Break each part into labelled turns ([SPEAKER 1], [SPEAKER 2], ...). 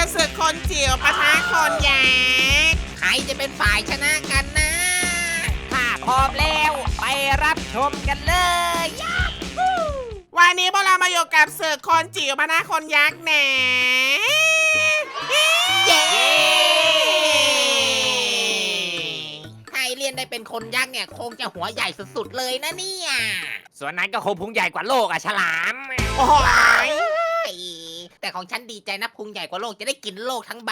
[SPEAKER 1] กับศึกคนจิ๋วปะทะคนยักษ์
[SPEAKER 2] ใครจะเป็นฝ่ายชนะกันนะ
[SPEAKER 3] ถ้าพร้อมแล้วไปรับชมกันเลย
[SPEAKER 1] วันนี้พวกเรามาอยู่กับศึกคนจิ๋วปะทะคนยักษ์แหน
[SPEAKER 2] เย้ใครเรียนได้เป็นคนยักษ์เนี่ยคงจะหัวใหญ่สุดๆเลยนะเนี่ย
[SPEAKER 3] ส่วนนั้นก็คงพุงใหญ่กว่าโลกอะฉลาม
[SPEAKER 1] โอ้ย
[SPEAKER 2] แต่ของฉันดีใจนะพุงใหญ่กว่าโลกจะได้กินโลกทั้งใบ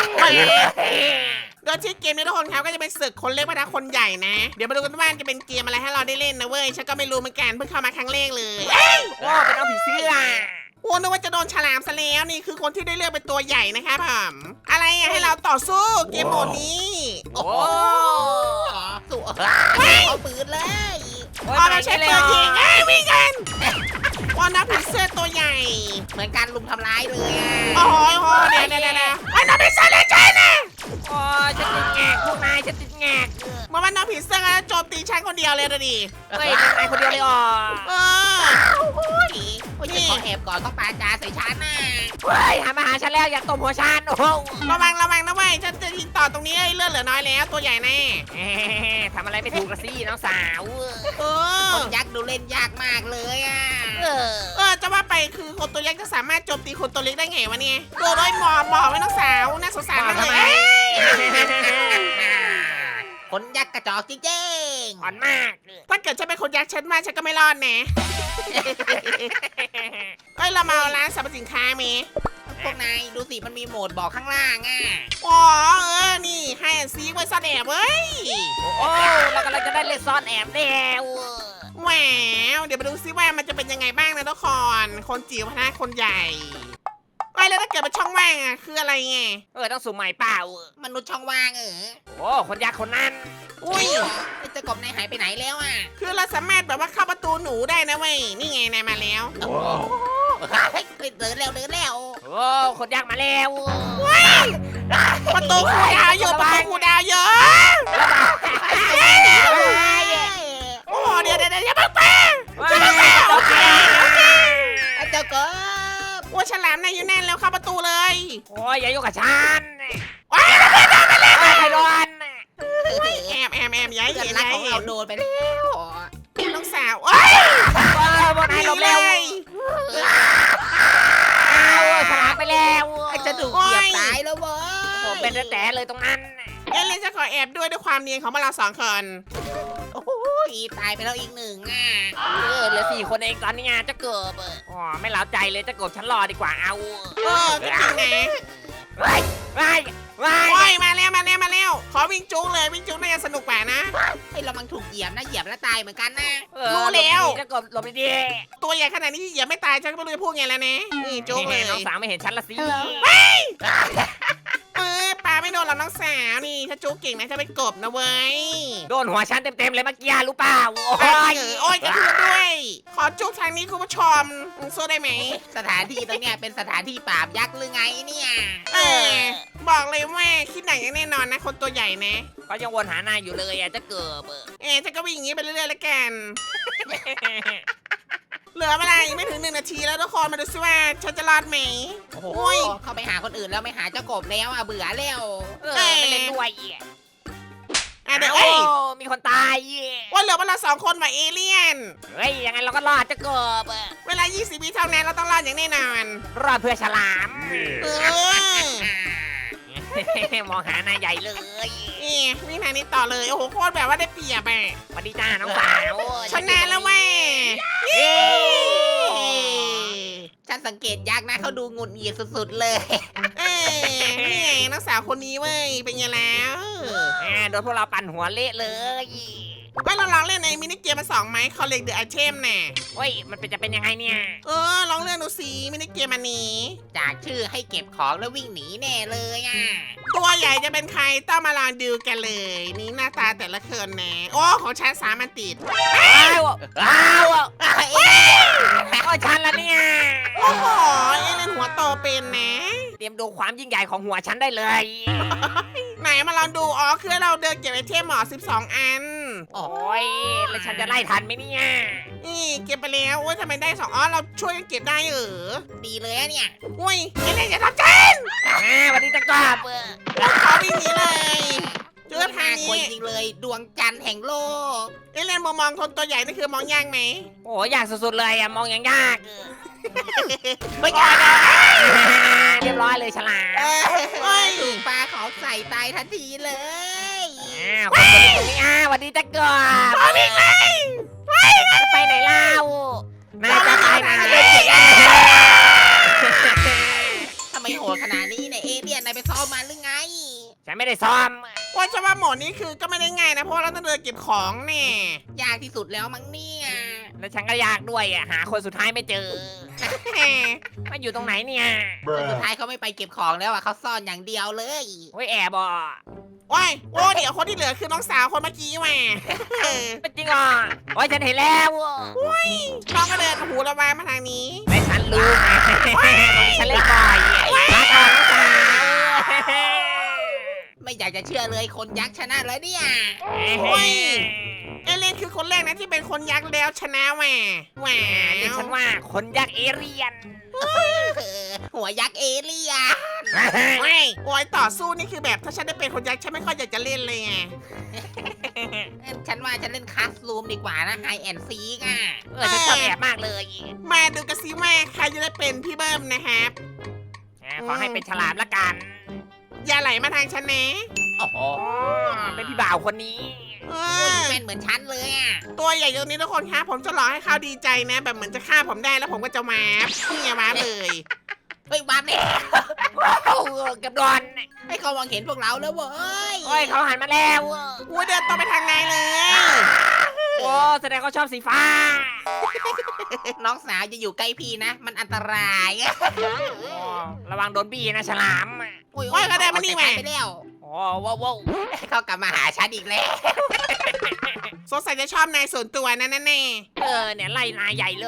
[SPEAKER 1] โดยที่เกมนี้ทุกคนครับก็จะเป็นศึกคนเล็กปะทะคนใหญ่นะ เดี๋ยวมาดูกันว่าจะเป็นเกมอะไรให้เราได้เล่นนะเว้ย ฉันก็ไม่รู้เหมือนกันเพิ่งเข้ามาครั้งแรกเลย
[SPEAKER 3] โอ้เป็นเอาผีเสื้อ
[SPEAKER 1] โอ้นึกว่าจะโดนฉลามซะแล้วนี่คือคนที่ได้เลือกเป็นตัวใหญ่นะครับผมอะไรอะให้เราต่อสู้เกมโหมดนี้
[SPEAKER 2] โอ้สู้เอาปืนเลย
[SPEAKER 3] โอ้ย
[SPEAKER 1] พอเราใช้ปืนยิงวิ่งกันว่านับผีเสื้อตัวใหญ่
[SPEAKER 2] เหมือนการลุมทำร้ายเลยอะ
[SPEAKER 1] โอ้โหเดี๋ยวไอ้น้องผีเสื้อเลยใช่นะ
[SPEAKER 3] โอ้ยฉันติดแงกพวกนายฉันติดแงก
[SPEAKER 1] เมื่อวันน้องผีเสื้อโจมตีฉันคนเดียวเลยนะดิ
[SPEAKER 3] เฮ้ยเป็นนายคนเดียวเลยอ๋อ
[SPEAKER 1] เออ
[SPEAKER 2] โอ้ยฉันขอแอบก่อนต้องปาจาใส่ฉันน่ะ
[SPEAKER 3] เฮ้ยมาหาฉันแล้วอยากตบหัวฉันโอ้โห
[SPEAKER 1] ระวังนะเว้ยฉันจะยิงต่อตรงนี้เลือดเหลือน้อยแล้วตัวใหญ่แน่
[SPEAKER 3] ทำอะไรไม่ถูกละสิน้องสาว
[SPEAKER 1] เอ
[SPEAKER 2] ค
[SPEAKER 1] อน
[SPEAKER 2] ยักษ์ดูเล่นยากมากเลยอ่ะ
[SPEAKER 1] จะว่าไปคือคนตัวเล็กจะสามารถโจมตีคนตัวเล็กได้ไงวะเนี่ยโดนด้วยหมอไว้น้องสาวน่าสงสารมาก
[SPEAKER 3] ทำ
[SPEAKER 1] เล
[SPEAKER 3] ไม
[SPEAKER 1] ย
[SPEAKER 2] คนยักษ์กระจอกจริง
[SPEAKER 3] อ่อนมาก
[SPEAKER 1] ถ้าเกิดฉันเป็นคนยักษ์ฉันว่าฉันก็ไม่รอดแน่เอ้ยเรามาเอาร้านสรรพสินค้ามี
[SPEAKER 2] ๆพวกนายดูสิมันมีโหมดบอกข้างล่างอ่ะ
[SPEAKER 1] อ๋อนี่ให้ซีไว้ซ่อนแอบเว้ย
[SPEAKER 3] โอ้เรากำลังจะได้เล่นซ่อนแอบแล้ว
[SPEAKER 1] แหววเดี๋ยวมาดูซิว่ามันจะเป็นยังไงบ้างนะทุกคนจิ๋วพนะคนใหญ่ไอ้แล้วถ้าเกิดเป็นช่องว่างอ่ะคืออะไรไง
[SPEAKER 3] ต้องสุ่มใหม่เปล่าม
[SPEAKER 2] นุษย์ช่องว่าง
[SPEAKER 3] โอ้คนยากคนนั้น
[SPEAKER 1] อุ้ย
[SPEAKER 2] ไอ้เจ้ากบนายหายไปไหนแล้วอ่ะ
[SPEAKER 1] คือเราสามารถแบบว่าเข้าประตูหนูได้นะเว้ยนี่ไงนายมาแล้ว
[SPEAKER 2] เฮ้ยเดินแล้ว
[SPEAKER 3] โอ้คนยากมาแล้ว
[SPEAKER 1] ประตูคูดาวอยู่ประตูคูดาวเยอะโอ้เดี๋ยวอย่าเพิ่งไป
[SPEAKER 3] โอเค
[SPEAKER 2] ไอ้เจ้ากบ
[SPEAKER 1] ว่าฉลามนายอยู่แน่นแล้วเข้าประตูเลย
[SPEAKER 3] โอ้ยอย่ายุ่งกับฉัน
[SPEAKER 1] ว้าย
[SPEAKER 3] ใครโดน
[SPEAKER 1] แอบย้าย
[SPEAKER 2] เพื่อน
[SPEAKER 1] เห็น
[SPEAKER 2] รักของ
[SPEAKER 1] เห็
[SPEAKER 2] เรา
[SPEAKER 1] น
[SPEAKER 2] โดนไปแล้ว
[SPEAKER 1] น้องสาวเอ้ย
[SPEAKER 3] บนไอ้หลบเร็วฉลามไปแล้ว
[SPEAKER 2] ไอ้จะถูกเหยียบตายแล้วเว้ย
[SPEAKER 3] ผมเป็นแต่เลยตรงนั้น
[SPEAKER 1] เอเลนจะขอแอบด้วยความเนียนของพวกเรา2 คน
[SPEAKER 2] โอ้ยตายไปแล้วอีกหนึ่งอ่ะ
[SPEAKER 3] เหลือ4 คนเองตอนนี้จะเกิบอ๋อไม่เล้าใจเลยจะกบฉันรอดีกว่าเอา
[SPEAKER 1] ก็จริงนะ
[SPEAKER 3] ว้ายว้าย
[SPEAKER 1] โอ้ยมาแล้วขอวิ่งจุ๊กเลยวิ่งจุ๊กน่าจะสนุกกว่านะ
[SPEAKER 2] ไอ้เรามันถูกเหยียบนะเหยียบแล้วตายเหมือนกันนะ
[SPEAKER 1] รู้แล้ว
[SPEAKER 3] จะกบหลบดี
[SPEAKER 1] ตัวใหญ่ขนาดนี้อย่าไม่ตายฉันก็ไม่รู้จะพูดไงแล้วนะนี่จุ๊กเลย
[SPEAKER 3] น้องสาวไม่เห็นฉันละสิ
[SPEAKER 1] ปลาไม่โดนหรอกน้องสาวนี่ถ้าจุ๊กเก่งนะจะไปกบนะเว้ย
[SPEAKER 3] โดนหัวฉันเต็มเลยเมื่อกี้รู้เปล่าโอ้
[SPEAKER 1] โอ้ยกระเทือนด้วย ขอจุ๊กทางนี้คุณผู้ชมสู้ได้ไหม
[SPEAKER 2] สถานที่ตรงเนี้ยเป็นสถานที่ปราบยักษ์หรือไงเนี่ย
[SPEAKER 1] บอกเลยว่าคิดหนังอย่างแน่นอนนะคนตัวใหญ่นะ
[SPEAKER 3] ก็ยังวนหานายอยู่เลยจะเกิบ
[SPEAKER 1] ฉันก็วิ่งอย่างนี้ไปเรื่อยๆแล้วกัน เหลือเวลาอีกไม่ถึง1 นาทีแล้วทุกคนมาดูซิว่าฉันจะรอดไหม
[SPEAKER 2] โอ้โห
[SPEAKER 1] โอ้ย
[SPEAKER 2] เข้าไปหาคนอื่นแล้วไม่หาเจ้ากบแล้วอ่ะเบื่อแล้ว
[SPEAKER 3] ไม่เล่นด้วย
[SPEAKER 1] เดี๋ยว
[SPEAKER 3] โอ้มีคนตาย
[SPEAKER 1] ว่าเหลือพวกเรา2 คนว่ะเอเลี่ยน
[SPEAKER 3] เฮ้ยยังไงเราก็รอดจะเกิบ
[SPEAKER 1] เวลา20 วิเท่านั้นเราต้องรอดอย่างแน่นอน
[SPEAKER 3] รอดเพื่อฉลาม
[SPEAKER 1] เออ
[SPEAKER 3] มองหานายใหญ่เลย
[SPEAKER 1] วิ่งทางนี้ต่อเลยโอ้โหโคตรแบบว่าได้เปรียบอ่ะ
[SPEAKER 3] สวัสดีจ้าน้องสาว
[SPEAKER 1] ชนะแล้วแม่
[SPEAKER 2] ฉันสังเกตยักษ์นะเขาดูหงุดหงิดสุดๆเลย
[SPEAKER 1] นี่ไงนักสาวคนนี้เว้ยเป็นไงแล้ว
[SPEAKER 3] โดนพวกเราปั่นหัวเละเลย
[SPEAKER 1] ว่าเราลองเล่นในมินิเกมมา2 ไหมคอลเลกเดอะไอเทมน่ะ
[SPEAKER 3] เฮ้ยมันจะเป็นยังไงเนี่ย
[SPEAKER 1] ลองเลื่อนดูสิมินิเกมอันนี้
[SPEAKER 2] จากชื่อให้เก็บของแล้ววิ่งหนีแน่เลยอ่ะ
[SPEAKER 1] ตัวใหญ่จะเป็นใครต้องมาลองดูกันเลย นี่หน้าตาแต่ละคนนะโอ้ของฉัน3 อันติด
[SPEAKER 3] อ้าวโอ้ฉันละเนี่ย
[SPEAKER 1] โอ้โหเอเลนหัวโตเป็นนะ
[SPEAKER 3] เตรียมดูความยิ่งใหญ่ของหัวฉันได้เลย
[SPEAKER 1] ไหนมาลองดูคือเราเดินเก็บไอเทมหมอ12 อัน
[SPEAKER 3] โอ้ยแล้วฉันจะไล่ทันไหมเนี่ย
[SPEAKER 1] นี่เก็บไปแล้วโอ้ยทำไมได้2เราช่วยกันเก็บได้
[SPEAKER 2] ดีเลยอะเนี่ย
[SPEAKER 1] อุ้ยเอเลนอย่าทำฉัน
[SPEAKER 3] อ้าว
[SPEAKER 2] ห่งโลก
[SPEAKER 1] เอเลี่ยนมุมมองคนตัวใหญ่นี่คือมองยากไหม
[SPEAKER 3] โอ้ยากสุดๆเลยอะมองยังยาก
[SPEAKER 2] ไม่ยากนะ
[SPEAKER 3] เรียบร้อยเลยฉลาม
[SPEAKER 1] เฮ้ย
[SPEAKER 2] ถูกปลาของใส่ตายทันทีเลย
[SPEAKER 3] คนตัวนี้สวัสดีจะเกิดจะไปไหนเล่านายจะไปไหน
[SPEAKER 2] ทำไมโหดขนาดนี้เนี่ยเอเลี่ยนนายไปซ้อมมาหรือไง
[SPEAKER 3] ฉันไม่ได้ซ้อม
[SPEAKER 1] ว่าจะว่าโหมดนี้คือก็ไม่ได้ง่ายนะเพราะว่าเราต้องเดินเก็บของเนี่ย
[SPEAKER 2] ยากที่สุดแล้วมั้งเนี่ย
[SPEAKER 3] แล้วฉันก็ยากด้วยอะหาคนสุดท้ายไม่เจอ
[SPEAKER 1] แหม
[SPEAKER 3] มันอยู่ตรงไหนเนี่ย
[SPEAKER 2] คนสุดท้ายเขาไม่ไปเก็บของแล้วอ่ะเขาซ่อนอย่างเดียวเลย
[SPEAKER 3] โอ้ยแอบอ่ะ
[SPEAKER 1] ว้ายโอ้เดี๋ยวคนที่เหลือคือน้องสาวคนเมื่อกี้แหม่
[SPEAKER 3] เป็นจริงอ่ะโอ้ยฉันเห็นแล้วอะ
[SPEAKER 1] น้องก็เดินหูระวายมาทางนี้
[SPEAKER 3] ไม่ฉันรู้ไงฉันเล่นบ่อยรักของสาว
[SPEAKER 2] ไม่อยากจะเชื่อเลยคนยักษ์ชนะเลยเนี่ย
[SPEAKER 1] เอเลี่ยนคือคนแรกนะที่เป็นคนยักษ์แล้วชนะแหม่แหว
[SPEAKER 3] เรียกฉันว่าคนยักษ์เอเรียน
[SPEAKER 2] หัวยักษ์เอเลี่ยน
[SPEAKER 1] โอ้ยต่อสู้นี่คือแบบถ้าฉันได้เป็นคนยักษ์ฉันไม่ค่อยอยากจะเล่นเลยไง
[SPEAKER 2] ฉันว่าฉันเล่นคลาสรูมดีกว่านะไฮแอนซีอ่ะ
[SPEAKER 3] ฉันชอบแอบมากเลย
[SPEAKER 1] มาดูกันซิว่าใครจะได้เป็นพี่เบิ้มนะครับ
[SPEAKER 3] ขอให้เป็นฉลามละกัน
[SPEAKER 1] อย่าไหลมาทางฉันนะ
[SPEAKER 2] โอ้โห
[SPEAKER 3] เป็นพี่บ่าวคนนี้
[SPEAKER 1] เอ
[SPEAKER 2] คุณ
[SPEAKER 1] อ
[SPEAKER 2] เป็นเหมือนฉันเลยอ่ะ
[SPEAKER 1] ตัวใหญ่ตรงนี้ทุกคนครับผมจะรอให้เขาดีใจนะ แบบเหมือนจะฆ่าผมได้แล้วผมก็จะมาร์ฟนี่ไงมาร์ฟเลย
[SPEAKER 2] เฮ้ยวับเนี่ย
[SPEAKER 3] เกับโดน
[SPEAKER 2] ให้เขามองเห็นพวกเราแล้วเว้ย
[SPEAKER 3] โอ้ยเขาหันมาแล้ว
[SPEAKER 1] กูเดินต่อไปทางไหนเลย
[SPEAKER 3] โอ้แสดงเขาชอบสีฟ้า
[SPEAKER 2] น้องสาวจะอยู่ใกล้พี่นะ มันอันตราย
[SPEAKER 3] ระวังโดนบี้นะฉลาม
[SPEAKER 2] โอ้ยก็ได้มานี่ไปแล้ว
[SPEAKER 3] โอ้ว้าว
[SPEAKER 2] เขากลับมาหาฉันอีกแล้ว
[SPEAKER 1] สงสัยจะชอบนายส่วนตัวนั่นแน่
[SPEAKER 3] เนี่ยไล่นายใหญ่เลย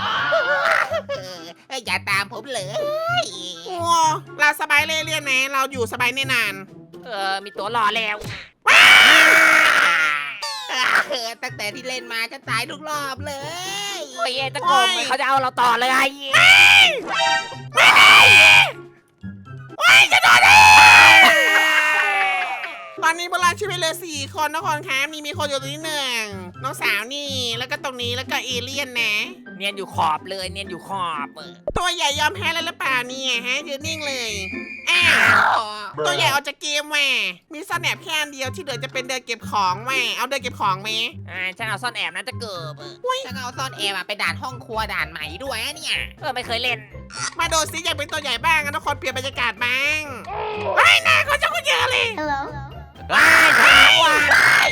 [SPEAKER 2] อย่าตามผมเลย
[SPEAKER 1] โอ้เราสบายเรื่อยๆนะเราอยู่สบายแน่นอน
[SPEAKER 3] มีตัวรอแล้ว
[SPEAKER 2] ตั้งแต่ที่เล่นมาฉันตายทุกรอบเลย
[SPEAKER 3] โอ้ยตะโกนเขาจะเอาเราต่อเลย
[SPEAKER 1] ตอนนี้พวกเราชีวิตเหลือ4 คนทุกคนครับมีคนอยู่ตรงนี้หนึ่งน้องสาวนี่แล้วก็ตรงนี้แล้วก็เอเลี่ยนนะ
[SPEAKER 3] เนียนอยู่ขอบเลยเนียนอยู่ขอบ
[SPEAKER 1] ตัวใหญ่ยอมแพ้แล้วหรือเปล่าเนี่ยฮะยืนนิ่งเลยอ้าวตัวใหญ่ออกจากเกมแหม่มีซ่อนแอบแค่อันเดียวที่เหลือจะเป็นเดินเก็บของแหม่เอาเดินเก็บของไหม
[SPEAKER 3] ฉันเอาซ่อนแอบนะจะเกิบ
[SPEAKER 2] ฉันเอาซ่อนแอบไปด่านห้องครัวด่านใหม่ด้วยเนี่ย
[SPEAKER 3] ไม่เคยเล่น
[SPEAKER 1] มาดูซิอยากเป็นตัวใหญ่บ้างนะทุกคนเปลี่ยนบรรยากาศบ้างไอ้หน้าเขาจะคนเยอะเลย
[SPEAKER 4] Hello.
[SPEAKER 3] ว้ายฉลามว่ะ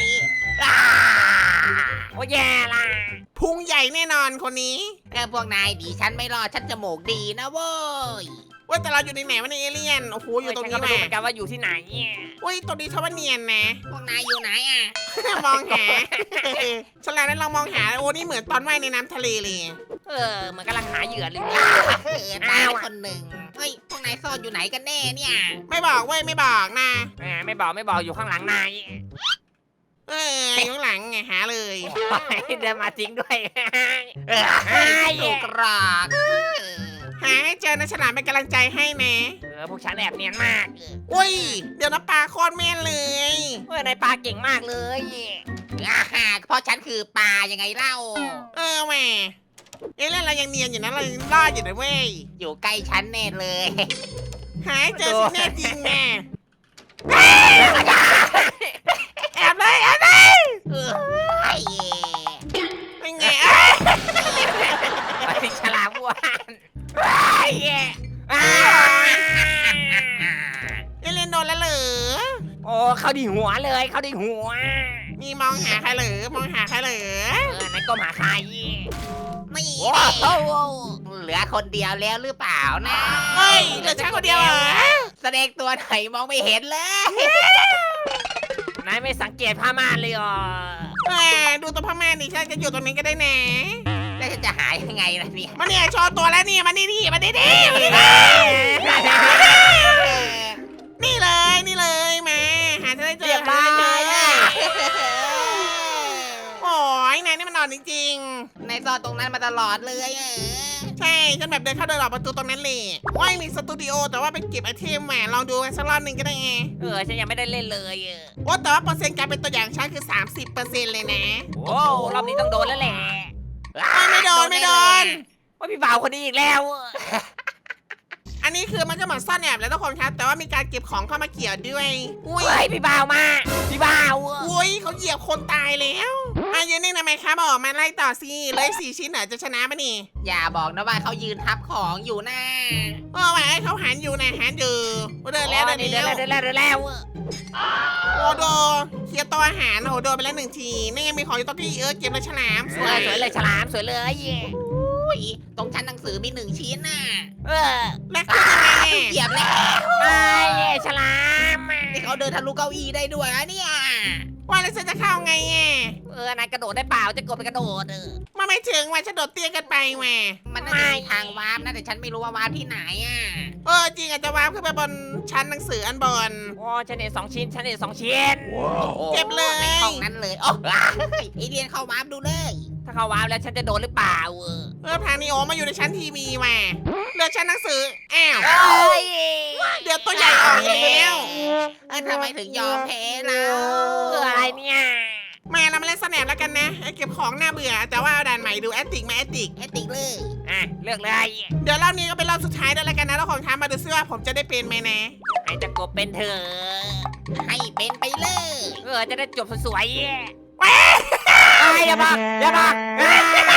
[SPEAKER 3] โอ้แย่ละ
[SPEAKER 1] พุงใหญ่แน่นอนคนนี้
[SPEAKER 2] พวกนายดีฉันไม่รอดฉันจมูกดีนะเว้ย
[SPEAKER 1] ว่าแต่เราอยู่ในไหนวะในเอเลี่ยนโอ้โหอยู่ตรง
[SPEAKER 3] ฉั
[SPEAKER 1] นี้
[SPEAKER 3] ก็ไม่
[SPEAKER 1] แห
[SPEAKER 3] รู้
[SPEAKER 1] ละ
[SPEAKER 3] เหมือนกันว่าอยู่ที่ไหน
[SPEAKER 1] อุ้ยตรงนี้ชาวาเนียนนะ
[SPEAKER 2] พวกนายอยู่ไหนอ่ะ
[SPEAKER 1] มองหา ฉลามนั้นลองมองหาโอ้นี่เหมือนตอนว่ายในน้ำทะเลเลย
[SPEAKER 3] เหมือนกำลังหาเหยื่อเลย
[SPEAKER 2] ตายคนหนึ่งเฮ้ยพวกนายซ่อนอยู่ไหนกันแน่เนี่ย
[SPEAKER 1] ไม่บอกเว้ยไม่บอกนะ
[SPEAKER 3] ไม่บอกอยู่ข้างหลังนาย
[SPEAKER 1] อยู่ข้างหลังไงหาเลย
[SPEAKER 3] เดินมาจริงด้วย
[SPEAKER 2] ถูกรอก
[SPEAKER 1] หาให้เจอนะฉลามเป็นกำลังใจให้นะ
[SPEAKER 3] พวกฉันแอบเนียนมาก
[SPEAKER 1] อุ้ยเดี๋ยวนะปลาโคตรแม่นเลย
[SPEAKER 3] นายปลาเก่งมากเลย
[SPEAKER 2] เพราะฉันคือปลายังไงเล่า
[SPEAKER 1] แหม่เอเลี่ยนเรายังเนียนอยู่นะเรายังรอดอยู่นะเว้ย
[SPEAKER 2] อยู่ใกล้ฉันแน่เลย
[SPEAKER 1] หาให้เจอสิแน่จริงแน่แอบเลยแอบเลย เป็นไง
[SPEAKER 3] ไปฉลามวาน
[SPEAKER 1] เอเลี่ยนโดนแล้วเหรอ
[SPEAKER 3] โอ้เขาดีหัวเลยเขาดีหัว
[SPEAKER 1] นี่มองหาใครเหรอมองหาใครเหรอน
[SPEAKER 3] ายก็หาใคร
[SPEAKER 2] นี่
[SPEAKER 3] โอ้โห
[SPEAKER 2] เหลือคนเดียวแล้วหรือเปล่านะ
[SPEAKER 1] เฮ้ยเหลือฉันคนเดียวเหรอ
[SPEAKER 2] แสดงตัวไหนมองไม่เห็นเลย
[SPEAKER 3] นายไม่สังเกตผ้าม่านเลยอ่ะ
[SPEAKER 1] ดูตัวพ่อแม่ดิฉันจะอยู่ตรงนี้ก็ได้แน่
[SPEAKER 2] แล้วจะหายยังไงล่ะเนี่ย
[SPEAKER 1] มาเนี่ยโชว์ตัวแล้วนี่มานี่ดิมาดิดิมาดิดินี่เลยนี่เลยมาหาจะได้เจอหาจะได้เจอโอ้ยนายนี่มันนอนจริง
[SPEAKER 2] ในซอนตรงนั้นมาตลอดเลย
[SPEAKER 1] ใช่ฉันแบบเดินเข้าเดินออกประตูตรงนั้นเลยว่ามีสตูดิโอแต่ว่าไปเก็บไอเทมมาลองดูสักรอบหนึ่งก็ได้ไง
[SPEAKER 3] ฉันยังไม่ได้เล่นเลย
[SPEAKER 1] ว่าแต่ว่าเปอร์เซ็นต์การเป็นตัวอย่างฉันคือ 30%เลยนะ
[SPEAKER 3] โอ้รอบนี้ต้องโดนแล้วแหละ
[SPEAKER 1] ไม่โดน
[SPEAKER 3] ว่าพี่บ่าวคนนี้อีกแล้ว
[SPEAKER 1] อันนี้คือมันก็เหมือนซ่อนแอบแล้วทุกคนครับ แต่ว่ามีการเก็บของเข้ามาเกี่ยวด้วยอุ้ย
[SPEAKER 3] เฮ้ยพี่บ่าวมาพี่บ่าว
[SPEAKER 1] อุ้ยเขาเหยียบคนตายแล้วยืนนิ่งทำไมครับบอกมาไล่ต่อสิเลย4 ชิ้นเหรอจะชนะปะนี่
[SPEAKER 2] อย่าบอกนะว่าเขายืนทับของอยู่นะ
[SPEAKER 1] ไว้เขาหันอยู่นะหันอยู่เดินแล้ว
[SPEAKER 3] เดินแล้ว
[SPEAKER 1] โอ้โดเคลียร์ตัวอาหารโอ้โดนไปแล้ว1 ทีนี่ยังมีของอยู่ตรงที่เก็บเลยฉลามส
[SPEAKER 3] ส
[SPEAKER 1] ว
[SPEAKER 3] วย ยเลยฉลามสวยเลย
[SPEAKER 2] อุ้ยตรงชั้นหนังสือมี1 ชิ้นน่ะ
[SPEAKER 1] แล้วคือยังไง
[SPEAKER 2] เหยียบแล้ว
[SPEAKER 3] ไม่ฉลาม
[SPEAKER 2] นี่เขาเดินทะลุเก้าอี้ได้ด้วยอะเนี่ย
[SPEAKER 1] ว่าแล้วฉันจะเข้าไง
[SPEAKER 3] นายกระโดดได้เปล่าจะกดไปกระโดด
[SPEAKER 1] มาไม่ถึงว่าฉันโดดเตี้ยกันไปแหว
[SPEAKER 2] มันน่าจะมีทางวาร์ปนะแต่ฉันไม่รู้ว่าวาร์ปที่ไหนอ่ะ
[SPEAKER 1] จริงอาจจะวาร์ปขึ้นไปบนชั้นหนังสืออันบน
[SPEAKER 3] โอ้ฉันเห็น2 ชิ้นฉันเห็น2 ชิ้น
[SPEAKER 1] เก็บเลย
[SPEAKER 2] ในห้องนั้นเลยโอ้ไอเดียนเข้าวาร์ปดูเลย
[SPEAKER 3] ถ้าเขาว้าวแล้วฉันจะโดนหรือเปล่า
[SPEAKER 1] ทางนี้โอมาอยู่ในชั้นทีวีแหวเหลือชั้นหนังสืออ้าว
[SPEAKER 3] เอ้ย
[SPEAKER 1] เดี๋ยวตัวใหญ่ออกแล้ว
[SPEAKER 2] ทำไมถึงยอมแพ้เรา
[SPEAKER 3] อะไรเนี่ย
[SPEAKER 1] มาเรามาเล่นสแนปแล้วกันนะเก็บของน่าเบื่อ แต่ว่าเอาด่านใหม่ดูแอตติกมาแอตติก
[SPEAKER 2] แอตติกเลย
[SPEAKER 3] เลือกเลย
[SPEAKER 1] เดี๋ยวรอบนี้ก็เป็นรอบสุดท้ายด้วยแล้วกันนะแล้วของท้ามาดูซิว่าผมจะได้เป็นไหมนะ
[SPEAKER 3] ไอ้จะกบเป็นเธอ
[SPEAKER 2] ให้เป็นไปเลย
[SPEAKER 3] จะได้จบสวยๆอย่าบอก
[SPEAKER 2] ไอเดียน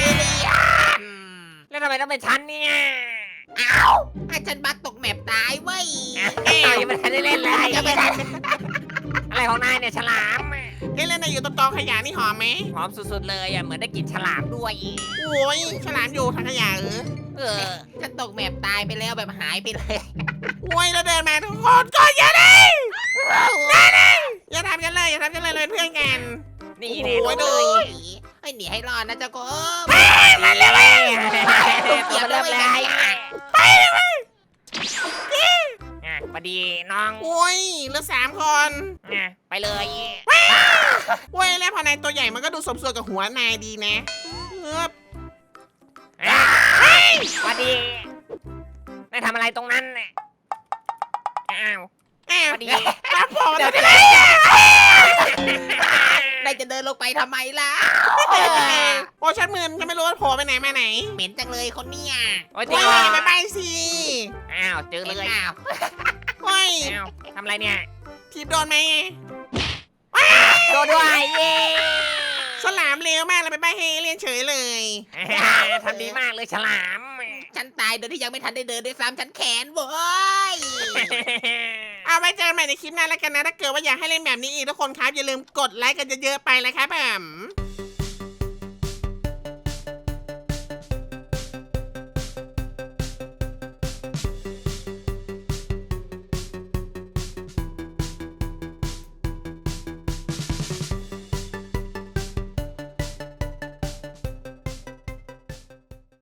[SPEAKER 3] แล้วทำไมต้องเป็นฉันเนี่ย
[SPEAKER 2] ให้ฉันบักตกแมปตายเว้ย
[SPEAKER 3] ยังไม่ทันได้เล่นเลย
[SPEAKER 2] ยังไม่ทัน
[SPEAKER 3] อะไรของนายเนี่ยฉลาม
[SPEAKER 1] เล่นในอยู่ตรงกองขยะนี่หอมไหม
[SPEAKER 3] หอมสุดๆเลยเหมือนได้กลิ่นฉลามด้วย
[SPEAKER 1] โอ้ยฉลามอยู่ทางขยะ
[SPEAKER 2] ฉันตกแมปตายไปแล้วแบบหายไปเลย
[SPEAKER 1] โอ้ยแล้วเดินมาทุกคนก็อย่าได้อย่าทำกันเลยเป็นเพื่อนกัน
[SPEAKER 3] นี่
[SPEAKER 1] โอ้
[SPEAKER 3] เนี่ย
[SPEAKER 1] โห
[SPEAKER 3] ดู
[SPEAKER 2] ให้หนีให้รอดนะเจ้ากบ
[SPEAKER 3] มันเลย
[SPEAKER 2] เกียบ
[SPEAKER 3] เริ่ม
[SPEAKER 2] เล
[SPEAKER 3] เลย ยพอดีน้อง
[SPEAKER 1] โอ้ยเหลือ3 คน
[SPEAKER 3] ไปเลย
[SPEAKER 1] โอ้ยแล้วพอนายตัวใหญ่มันก็ดูสมส่วนกับหัวนายดีนะ
[SPEAKER 3] พอดีนายทำอะไรตรงนั้นน่ะอ้าว พอดี
[SPEAKER 1] ครับผมเดี๋ยวจะ
[SPEAKER 2] นายจะเดินลงไปทำไมล่ะ
[SPEAKER 1] โอ้ฉันมึนฉันไม่รู้ว่าโผล่ไปไหนมาไหน
[SPEAKER 2] เหม็นจังเลยคนเนี่ย
[SPEAKER 3] โอ้ย
[SPEAKER 1] โอ้ยไปไปสิ
[SPEAKER 3] อ้าวเจอ
[SPEAKER 2] เหม็น
[SPEAKER 3] เลย
[SPEAKER 2] อ้าว
[SPEAKER 1] โอ้ย
[SPEAKER 3] อ้าวทำอะไรเนี่ย
[SPEAKER 1] ทีบโดนไหม
[SPEAKER 3] โดนด้วยเย้
[SPEAKER 1] ฉลามเร็วมากเลยไปใบให้เรียนเฉยเลย
[SPEAKER 3] ทำดีมากเลยฉลาม
[SPEAKER 2] ฉันตายโดยที่ยังไม่ทันได้เดินด้วยซ้ำฉันแขนเว้ย
[SPEAKER 1] เอาไว้เจอกันใหม่ในคลิปหน้าแล้วกันนะถ้าเกิดว่าอยากให้เล่นแบบนี้อีกทุกคนครับอย่าลืมกดไลค์กันเยอะๆไปเลยครับผม